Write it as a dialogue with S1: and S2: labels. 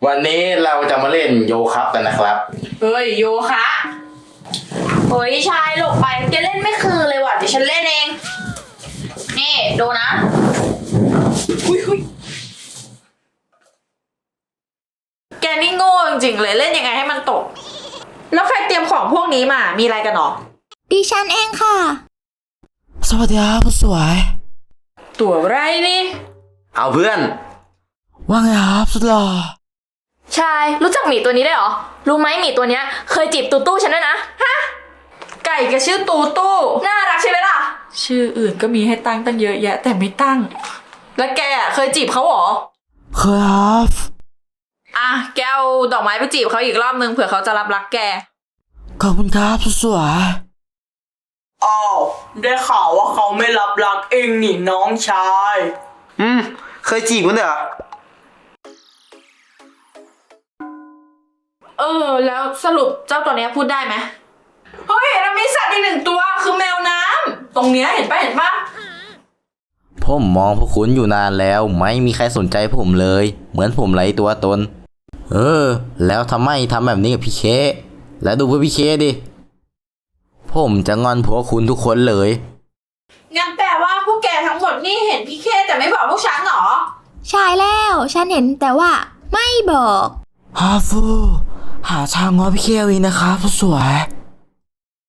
S1: วันนี้เราจะมาเล่นโยคะกันนะครับ
S2: เฮ้ยโยคะโอ้ยชายหลบไปแกเล่นไม่คือเลยว่ะเดี๋ยวฉันเล่นเองนี่ดูนะหุยแกนี่โง่จริงๆเลยเล่นยังไงให้มันตกแล้วใครเตรียมของพวกนี้มามีอะไรกันหรอ
S3: ดิฉันเองค่ะ
S4: สวัสดีครับสวย
S2: ตัวไรนี่
S1: เอาเพื่อน
S4: ว่าไงครับสุดหล่อ
S2: ชายรู้จักหมีตัวนี้ได้หรอรู้ไหมหมีตัวเนี้ยเคยจีบตูตู้ฉันด้วยนะฮะไก่แกชื่อตูตู้น่ารักใช่ไหมล่ะชื่ออื่นก็มีให้ตั้งเยอะแยะแต่ไม่ตั้งแล้วแกเคยจีบเขาหรอ
S4: เคยครับ
S2: อ่ะแกเอาดอกไม้ไปจีบเขาอีกรอบนึงเผื่อเขาจะรับรักแก
S4: ขอบคุณครับสวย
S5: อ้าวได้ข่าวว่าเขาไม่รับรักเองนี่น้องชาย
S1: เคยจีบมันเหรอ
S2: แล้วสรุปเจ้าตัวเนี้ยพูดได้ไหมเฮ้ยเรามีสัตว์อีกหนึ่งตัวคือแมวน้ำตรงเนี้ยเห็นปะ
S1: ผมมองพวกคุณอยู่นานแล้วไม่มีใครสนใจผมเลยเหมือนผมไร้ตัวตนแล้วทำไมทำแบบนี้กับพี่เคแล้วดูพวกพี่เคดิผมจะงอนพวกคุณทุกคนเลย
S2: งั้นแปลว่าพวกแกทั้งหมดนี่เห็นพี่เคแต่ไม่บอกพวกฉันหรอ
S3: ใช่แล้วฉันเห็นแต่ว่าไม่บอก
S4: ฮาฟูหาทางง้อพี่เควีนะครับสวย